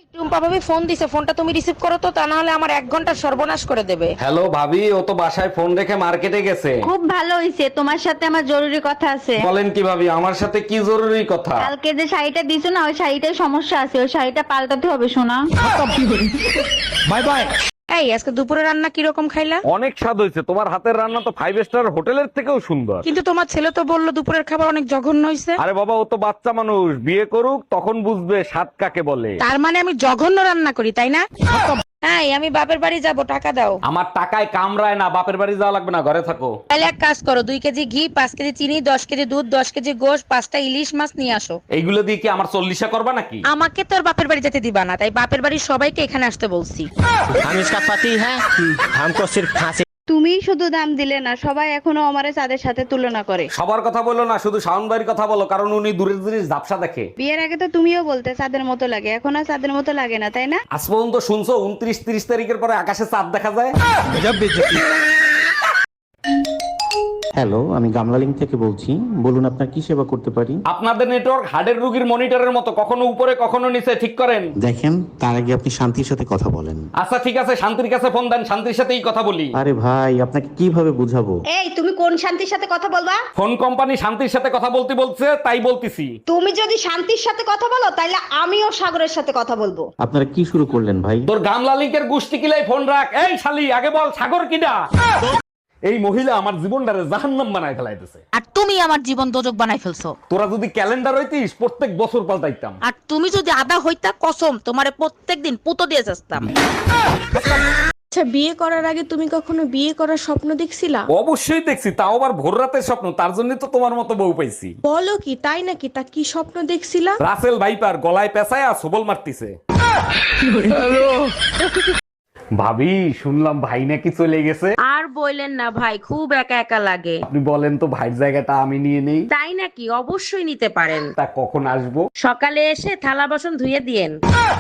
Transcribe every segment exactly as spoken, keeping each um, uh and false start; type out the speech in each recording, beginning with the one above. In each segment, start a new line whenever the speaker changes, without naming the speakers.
টুম্পা ভাবি ফোন দিছে, ফোনটা তুমি রিসিভ করো তো, তা না হলে আমার এক ঘন্টার সর্বনাশ করে দেবে।
হ্যালো ভাবি, ও তো বাসায় ফোন রেখে মার্কেটে গেছে।
খুব ভালো হইছে, তোমার সাথে আমার জরুরি কথা আছে।
বলেন কি ভাবি, আমার সাথে কি জরুরি কথা?
কালকে যে শাড়িটা দিছো না, ওই শাড়িটায় সমস্যা আছে, ওই শাড়িটা পাল্টাতে হবে সোনা।
Bye bye.
এই আজকে দুপুরে রান্না কিরকম খাইলা?
অনেক স্বাদ হয়েছে, তোমার হাতের রান্না তো ফাইভ স্টার হোটেলের থেকেও সুন্দর।
কিন্তু তোমার ছেলে তো বললো দুপুরের খাবার অনেক জঘন্য হয়েছে।
আরে বাবা, ও তো বাচ্চা মানুষ, বিয়ে করুক তখন বুঝবে স্বাদ কাকে বলে।
তার মানে আমি জঘন্য রান্না করি, তাই না? হ্যাঁ, আমি বাপের বাড়ি যাব, টাকা দাও।
আমার টাকায় কামড়ায় না, বাপের বাড়ি যাওয়া লাগবে না, ঘরে থাকো।
তাহলে এক কাজ করো, দুই কেজি ঘি, পাঁচ কেজি চিনি, দশ কেজি দুধ, দশ কেজি গোশ, পাঁচটা ইলিশ মাছ নিয়ে আসো।
এইগুলো দিয়ে কি আমার চল্লিশা করবা নাকি?
আমাকে তোর বাপের বাড়ি যেতে দিবা না, তাই বাপের বাড়ির সবাইকে এখানে আসতে বলছি।
हम इसका पति है, हमको सिर्फ फांसी।
তুমিই শুধু দাম দিলে না, সবাই এখনো আমারে চাঁদের সাথে তুলনা করে।
সবার কথা বলো না, শুধু শাওন ভাইয়ের কথা বলো, কারণ উনি দূরের জিনিস ঝাপসা দেখে।
বিয়ের আগে তো তুমিও বলতে চাঁদের মতো লাগে, এখন আর চাঁদের মতো লাগে না, তাই না?
আজ পর্যন্ত শুনছো উনত্রিশ তিরিশ তারিখের পরে আকাশে চাঁদ দেখা যায়?
হ্যালো, আমি গামলালিং থেকে বলছি। বলুন আপনার কি সেবা করতে পারি?
আপনাদের নেটওয়ার্ক হার্টের রোগীর মনিটরের মতো, কখনো উপরে কখনো নিচে, ঠিক করেন।
দেখেন, তার আগে আপনি শান্তির সাথে কথা বলেন।
আচ্ছা ঠিক আছে, শান্তির কাছে ফোন দেন, শান্তির সাথেই কথা বলি।
আরে ভাই, আপনাকে কিভাবে বুঝাবো?
এই তুমি কোন শান্তির সাথে কথা বলবা?
ফোন কোম্পানি শান্তির সাথে কথা বলতে বলছে, তাই বলতেছি।
তুমি যদি শান্তির সাথে কথা বলো, তাহলে আমিও সাগরের সাথে কথা বলবো।
আপনারা কি শুরু করলেন ভাই?
তোর গামলা লিঙ্কের গুষ্টি কিলাই ফোন রাখ। এই শালি, আগে বল সাগর কিডা? এই মহিলা আমার জীবনটারে জাহান্নাম বানায় ফেলাইতেছে।
আর তুমি আমার জীবন দোজক বানাই ফেলছো।
তোরা যদি ক্যালেন্ডার হইতিস, প্রত্যেক বছর পাল্টাইতাম।
আর তুমি যদি আদা হইতা, কসম তোমারে প্রত্যেকদিন পুতো দিয়ে যাস্তাম।
আচ্ছা, বিয়ে করার আগে তুমি কখনো বিয়ে করার স্বপ্ন দেখছিলা?
অবশ্যই দেখছি, তাও আবার ভোর রাতের স্বপ্ন। তার জন্য তো তোমার মতো বউ পাইছি।
বলো কি, তাই নাকি? তা কি স্বপ্ন দেখছিলা?
রাসেল ভাইপার গলায় পেঁচায় আর সবল মারতিছে। ভাবি, শুনলাম ভাই নাকি চলে গেছে।
আর বললেন না ভাই, খুব একা একা লাগে।
আপনি বলেন তো, ভাইয়ের জায়গাটা আমি নিয়ে নেই?
তাই নাকি? অবশ্যই নিতে পারেন।
তা কখন আসবো?
সকালে এসে থালা বাসন ধুয়ে দিয়েন।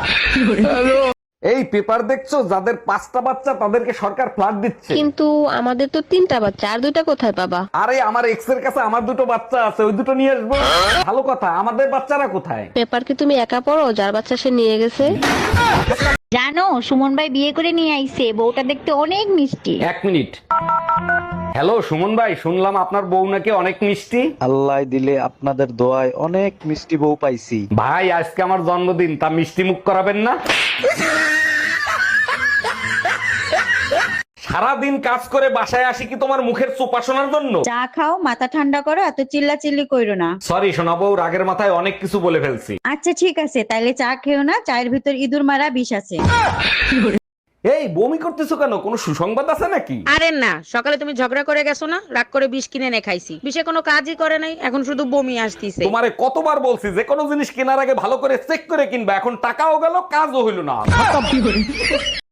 এই পেপার দেখছো, যাদের পাঁচটা বাচ্চা তাদেরকে সরকার ফ্ল্যাট দিচ্ছে।
কিন্তু আমাদের তো তিনটা বাচ্চা, আর দুইটা কোথায় পাবা?
আরে আমার এক্স এর কাছে আমার দুটো বাচ্চা আছে, ওই দুটো নিয়ে আসবো। ভালো কথা, আমাদের বাচ্চারা কোথায়?
পেপার কি তুমি একা পড়ো? যার বাচ্চা সে নিয়ে গেছে।
জানো, সুমন ভাই বিয়ে করে নিয়ে আইছে, বউটা দেখতে অনেক মিষ্টি।
এক মিনিট। হ্যালো সুমন ভাই, শুনলাম আপনার বউ নাকি অনেক মিষ্টি।
আল্লাহ দিলে আপনাদের দোয়ায় অনেক মিষ্টি বউ পাইছি।
ভাই, আজকে আমার জন্মদিন, তা মিষ্টি মুখ করাবেন না? সারাদিন কাজ করে বাসায় আসি কি তোমার মুখের চোপা শোনার জন্য?
চা খাও, মাথা ঠান্ডা করো, এত চিল্লা চিল্লি কইরো না।
সরি সোনা বউ, রাগের মাথায় অনেক কিছু বলে ফেলছি।
আচ্ছা ঠিক আছে, তাইলে চা খেও না, চায়ের ভিতর ইঁদুর মারা বিষ আছে।
এই বমি করতেছো কেন? কোনো সুসংবাদ আছে নাকি?
আরে না, সকালে তুমি ঝগড়া করে গেছো না, রাগ করে বিষ কিনে এনে খাইছি। বিষে কোনো কাজই করে নাই, এখন শুধু বমি আসতিছে।
তোমারে কতবার বলছি যে কোনো জিনিস কেনার আগে ভালো করে চেক করে কিনবা, এখন টাকাও গেল, কাজও হইল না।